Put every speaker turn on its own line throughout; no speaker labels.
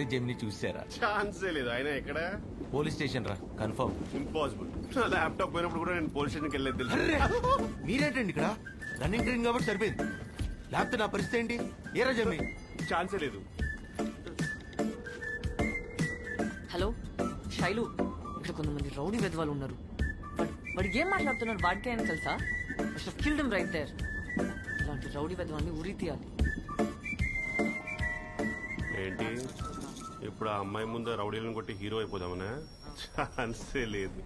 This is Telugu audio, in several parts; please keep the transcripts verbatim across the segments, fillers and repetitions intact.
జెమిని చూసారా?
ఛాన్సే లేదు. ఆయన ఎక్కడ?
పోలీస్ స్టేషన్ రా, కన్ఫర్మ్.
ఇంపాసిబుల్. నా ల్యాప్టాప్ పోయినప్పుడు కూడా నేను పోలీస్ స్టేషన్కి వెళ్ళేది తెలుసు.
మీరేంటండి ఇక్కడ? రన్నింగ్ ట్రైన్ కాబట్టి సరిపోయింది. లేకపోతే నా పరిస్థితి ఏంటి? ఏరా జెమిని?
ఛాన్సే లేదు.
హలో శైలు, ఇక్కడ కొంతమంది రౌడీ వెధవాలు ఉన్నారు. వాడు వాడు ఏం మాట్లాడుతున్నారు వాడికే అని తెలుసా? Killed him right there. ఇలాంటి రౌడీ వెధవాన్ని ఉరి తీయాలి.
ఏంటి ఇప్పుడు ఆ అమ్మాయి ముందు రౌడీలను కొట్టి హీరో అయిపోదామనా? ఛాన్సే లేదు.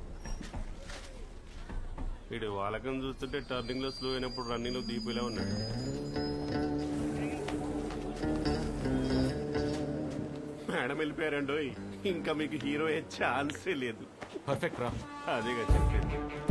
వీడు వాళ్ళకని చూస్తుంటే టర్నింగ్ లో స్లో అయినప్పుడు రన్నింగ్ లో దీపిలా ఉన్నాడు. మేడం వెళ్ళిపోయారండో, ఇంకా మీకు హీరో అయ్యే ఛాన్సే లేదు.
పర్ఫెక్ట్ రా.
అదేగా చెప్పేది.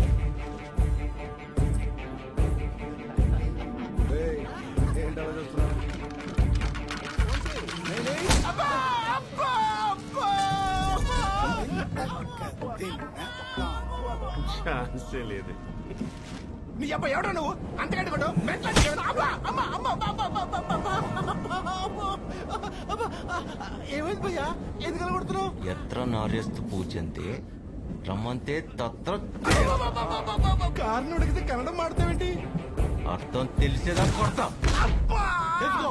ఛాన్సే లేదు.
నీ అబ్బా ఎవడో నువ్వు అంతకంటే కొట్టు. ఏమైంది భయ్యా? ఎందుకలా కొడుతున్నావు?
ఎత్ర నార్యస్తు పూజంతే రమ్మంతే తత్ర.
కారణం అడిగితే కన్నడం మాడతావేంటి?
అర్థం తెలిసేదా కొడతాం. తెలుసుకో.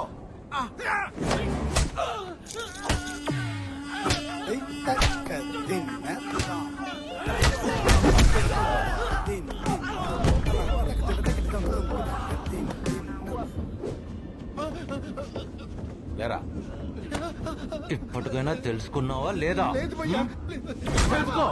లేరా, ఇప్పటికైనా తెలుసుకున్నావా లేదా?
లేదు భయ్యా.
తెలుసుకో.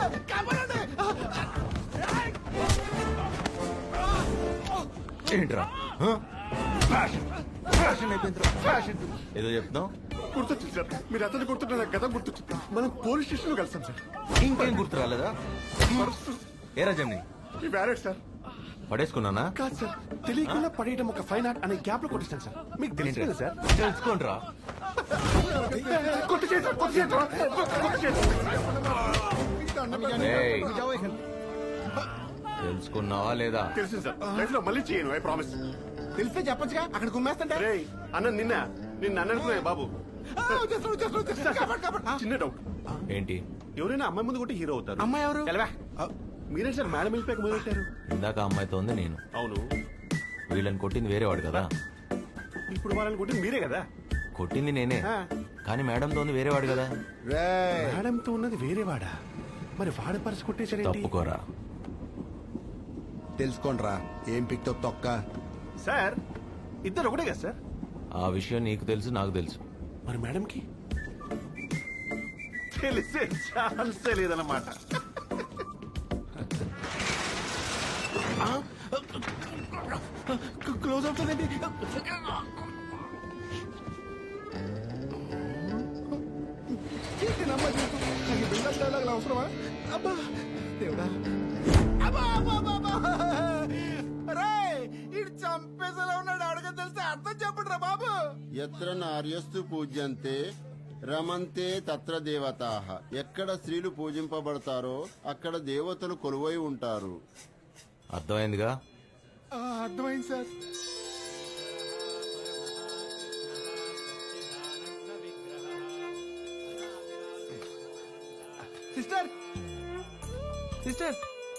ఏంట్రా ఫ్యాషన్ ఫ్యాషన్ అయిపోయిందిరా ఫ్యాషన్. ఏదో చెప్తాం.
గుర్తొచ్చింది సార్, మీరు అతను గుర్తుంటే నాకు గత గుర్తొచ్చింది. మనం పోలీస్ స్టేషన్ లో కలిసాం సార్.
ఇంకేం గుర్తు రాలేదా? ఏరా జమ్ని
ఈ బ్యారెట్ సార్.
పడేసుకున్నానా?
కాదు సార్, తెలియకుండా పడేయడం ఒక ఫైన్ ఆర్ట్ అనే గ్యాప్ లో కొట్టిస్తాను సార్. మీకు తెలియదు కదా సార్?
తెలుసుకోండిరా.
కొట్టు చేసి కొట్టు చేసి కొట్టు చేసి.
ఏయ్, తెలుసుకున్నావా లేదా?
తెలుసు సార్, లైఫ్ లో మళ్ళీ చేయను. I promise.
తెలిస్తే చెప్పొచ్చుగా, అక్కడ కుమ్మేస్తుంటే.
రే అన్న, నిన్న నిన్న అన్నట్టున్నాయి బాబు. చిన్న డౌట్.
ఏంటి?
ఎవరైనా అమ్మాయి ముందు కొట్టి హీరో అవుతారు.
అమ్మాయి ఎవరు?
తెలవా? మీరే సార్ మేడం వెళ్ళిపోయాక మొదలు పెట్టారు.
ఇందాక అమ్మాయితో ఉంది నేను.
అవును,
వీళ్ళని కొట్టింది వేరేవాడు కదా.
ఇప్పుడు వాళ్ళని కొట్టింది మీరే కదా.
కొట్టింది నేనే, కానీ మేడంతో ఉంది వేరేవాడు కదా.
మేడంతో ఉన్నది వేరే వాడా? మరి వాడి పరిస్థితి కొట్టేసరి
తప్పుకోరా.
తెలుసుకోండిరా, ఏం పిక్తో తొక్క.
సార్ ఇద్దరు ఒకటే కదా సార్?
ఆ విషయం నీకు తెలుసు, నాకు తెలుసు.
మరి మేడంకి తెలిసే ఛాన్సే లేదన్నమాట. క్లోజ్ అవుతుందండి.
అవసరమా? అబ్బా దేవుడా, ఇటు చంపేసేలా ఉన్నాడు. అడగ తెలిస్తే అర్థం చెప్పండి రా బాబు.
ఎత్ర నార్యస్తు పూజ్యంతే రమంతే తత్ర దేవతాః. ఎక్కడ స్త్రీలు పూజింపబడతారో అక్కడ దేవతలు కొలువై ఉంటారు.
అర్థమైందిగా?
అర్థమైంది సార్. సిస్టర్ సిస్టర్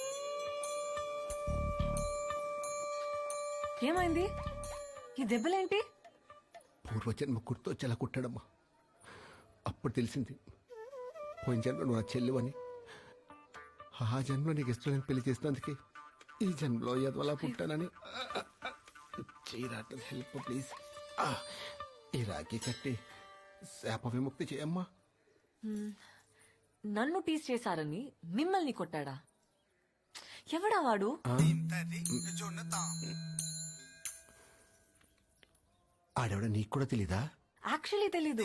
ఏమైంది? ఈ దెబ్బలేంటి?
పూర్వజన్మ గుర్తొచ్చేలా కుట్టాడమ్మా. అప్పుడు తెలిసింది పోయిన జన్మ నువ్వు నా చెల్లువని. ఆ జన్మ నీకు ఇష్టం పెళ్లి చేసినందుకే ఈ జన్మలో ఎదవలా పుట్టానని. చేయరాట హెల్ప్ ప్లీజ్. ఈ రాఖీ కట్టి శాప విముక్తి చేయమ్మా.
నన్ను టీస్ చేశారని మిమ్మల్ని కొట్టాడా? ఎవడా వాడు?
ఆడవిడ నీకు కూడా తెలీదా?
యాక్చువల్లీ తెలీదు.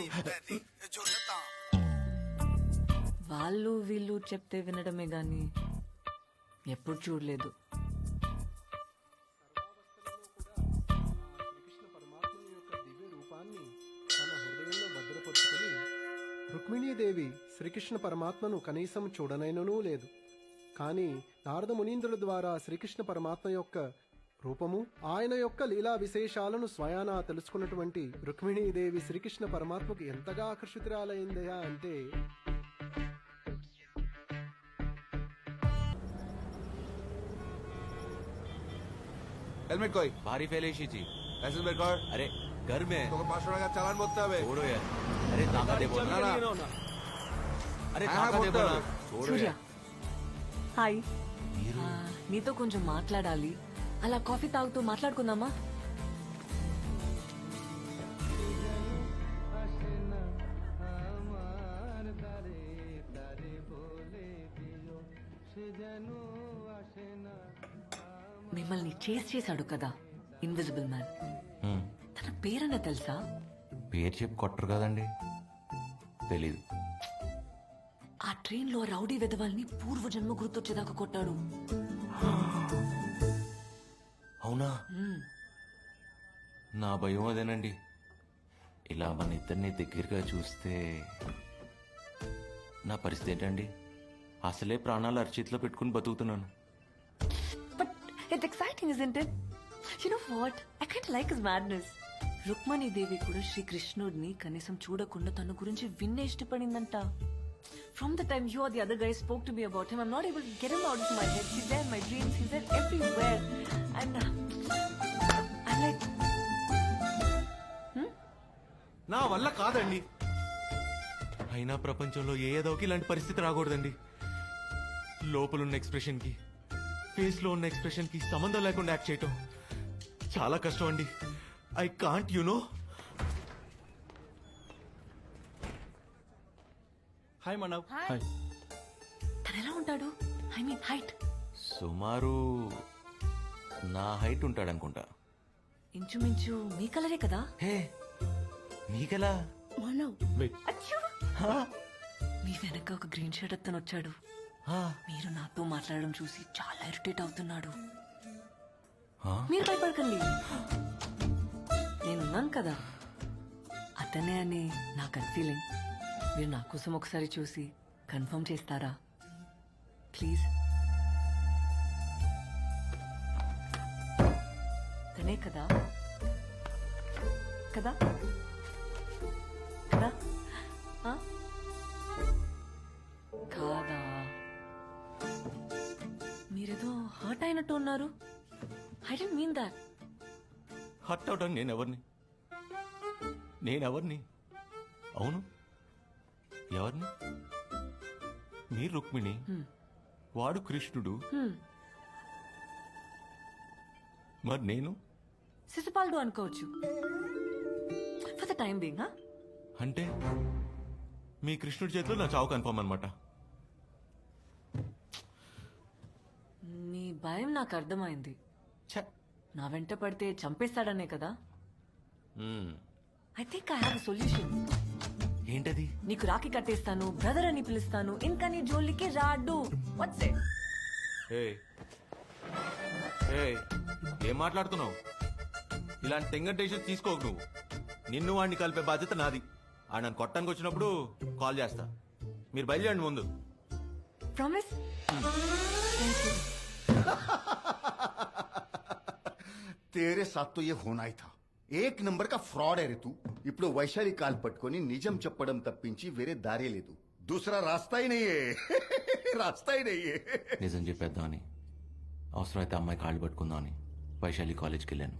వాళ్ళు వీళ్ళు చెప్తే వినడమే గాని ఎప్పుడు చూడలేదు.
రుక్మిణీదేవి శ్రీకృష్ణ పరమాత్మను కనీసం చూడనైననూ లేదు. కానీ నారద మునీంద్రుల ద్వారా శ్రీకృష్ణ పరమాత్మ యొక్క రూపము ఆయన యొక్క లీలా విశేషాలను స్వయానా తెలుసుకున్నటువంటి రుక్మిణీదేవి శ్రీకృష్ణ పరమాత్మకు ఎంతగా ఆకర్షితురాలైందయా అంటే
हेलमेट कोई भारी फैलेशी थी लाइसेंस मेरे को अरे घर में तो पाँच सौ का चालान बोलता है छोड़ो यार अरे ताका दे बोलना ना अरे ताका दे बोलना छोड़ो
సూర్య
यार
హాయ్ ఆ, నీతో కొంచెం మాట్లాడాలి అలా కాఫీ తాగుతూ మాట్లాడుకుందామా మిమ్మల్ని చేస్ చేశాడు కదా ఇన్విజిబుల్ మ్యాన్ తన పేరన్న తెలుసా
పేరు చెప్పి కొట్టరు కదండి తెలీదు.
ఆ ట్రైన్ లో రౌడీ వెధవాల్ని పూర్వజన్మ గుర్తొచ్చేదాకా కొట్టాడు
అవునా?
మ్మ్.
నా భయం అదేనండి. ఇలా మన ఇద్దరిని దగ్గరగా చూస్తే నా పరిస్థితి ఏంటండి? అసలే ప్రాణాలు అరచేతిలో పెట్టుకుని బతుకుతున్నాను.
But it's exciting, isn't it? You know what? I kind of like his madness. Rukmini దేవి కూడా శ్రీకృష్ణుడిని కనీసం చూడకుండా తన గురించి విన్నే ఇష్టపడిందంట. From the time you or the other guy spoke to me about him, I'm not able to get him out of my head. He's there in my dreams. He's there everywhere. And uh, I'm like,
నా వల్ల కాదండి.
అయినా ప్రపంచంలో ఏ ఏదోకి ఇలాంటి పరిస్థితి రాకూడదండి. లోపలున్న ఎక్స్ప్రెషన్ కి ఫేస్ లో ఉన్న ఎక్స్ప్రెషన్ కి సంబంధం లేకుండా యాక్ట్ చేయటం చాలా కష్టం అండి. I can't you know.
Hi Manav
Hi. తను ఎలా ఉంటాడు? I mean height.
సుమారు నా హైట్ ఉంటాడనుకుంటా.
ఇంచుమించు మీ కలరే కదా?
హే నీకెలా?
అచ్చో! మీ వెనక ఒక గ్రీన్ షర్ట్ అతను వచ్చాడు.
హా,
మీరు నాతో మాట్లాడడం చూసి చాలా ఇరిటేట్ అవుతున్నాడు.
హా?
మీరు భయపడకండి, నేనున్నాను కదా. అతనే అని నా గట్ ఫీలింగ్. మీరు నా కోసం ఒకసారి చూసి కన్ఫర్మ్ చేస్తారా ప్లీజ్? తనే కదా కదా కదా ఆ? కాదా? మీరేదో హర్ట్ అయినట్టు ఉన్నారు. I don't mean that.
Hurt అవడానికి నేనెవరిని? నేనెవరిని? అవును, ఎవరిని? మీరు రుక్మిణి, వాడు కృష్ణుడు, మరి నేను
శిశుపాలుడు అనుకోవచ్చు ఫర్ ద టైం బీయింగ్.
అంటే మీ కృష్ణుడి చేతిలో నా చావు కన్ఫర్మ్ అనమాట.
మీ భయం నాకు అర్థమైంది. నా వెంట పడితే చంపేస్తాడనే కదా. I think I have solution.
ఏంటది?
నీకు రాఖీ కట్టేస్తాను, బ్రదర్ అని పిలుస్తాను, ఇంకా నీ జోలికి రాడు. What's it?
ఏయ్, ఏయ్, ఏం మాట్లాడుతున్నావు? ఇలాంటి టెంగటేషన్ తీసుకోకు నువ్వు. నిన్ను వాడిని కలిపే బాధ్యత నాది. ఆ నన్ను కొట్టడానికి వచ్చినప్పుడు కాల్ చేస్తా. మీరు బయలుదేరండి ముందు.
ప్రామిస్? Thank you.
तेरे साथ तो ये होना ही था. एक नंबर का फ्रॉड है रे तू. ఇప్పుడు వైశాలి కాల్ పట్టుకొని నిజం చెప్పడం తప్పించి వేరే దారే లేదు. दूसरा रास्ता ही नहीं है. रास्ता ही नहीं है.
నిజం చెప్పేద్దామని, అవసరమైతే అమ్మాయి కాళ్ళు పట్టుకుందామని వైశాలి కాలేజ్కి వెళ్ళాను.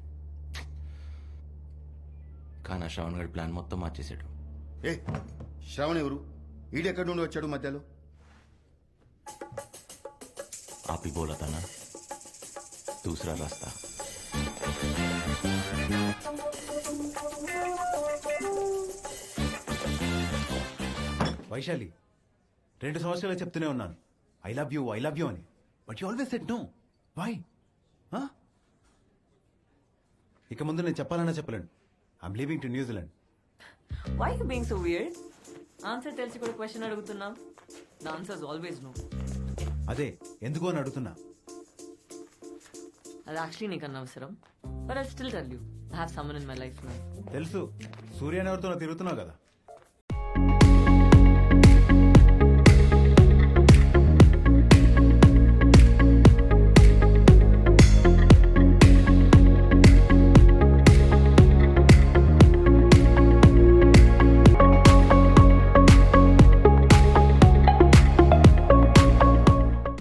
కానీ ఆ శ్రవణ్ గడి ప్లాన్ మొత్తం మార్చేశాడు.
ఏ శ్రావణ్ ఎవరు? ఈడెక్కడి నుండి వచ్చాడు మధ్యలో?
ఆపి బోలతానా దూసరా రాస్తా.
వైశాలి, రెండు సంవత్సరాలు చెప్తూనే ఉన్నాను I love you I love you అని, but you always said no. Why? ఇక ముందు నేను చెప్పాలన్నా చెప్పలేను. I'm leaving to New Zealand.
Why you being so weird? Answer తెలిసి కూడా క్వశ్చన్ అడుగుతున్నాం. The answer is always no.
అదే ఎందుకు అని అడుగుతున్నా.
అది యాక్చువల్లీ నీకు అనవసరం. But I still tell you, I have someone in my life now.
తెలుసు, సూర్యని ఎవరితో తిరుగుతున్నావు కదా.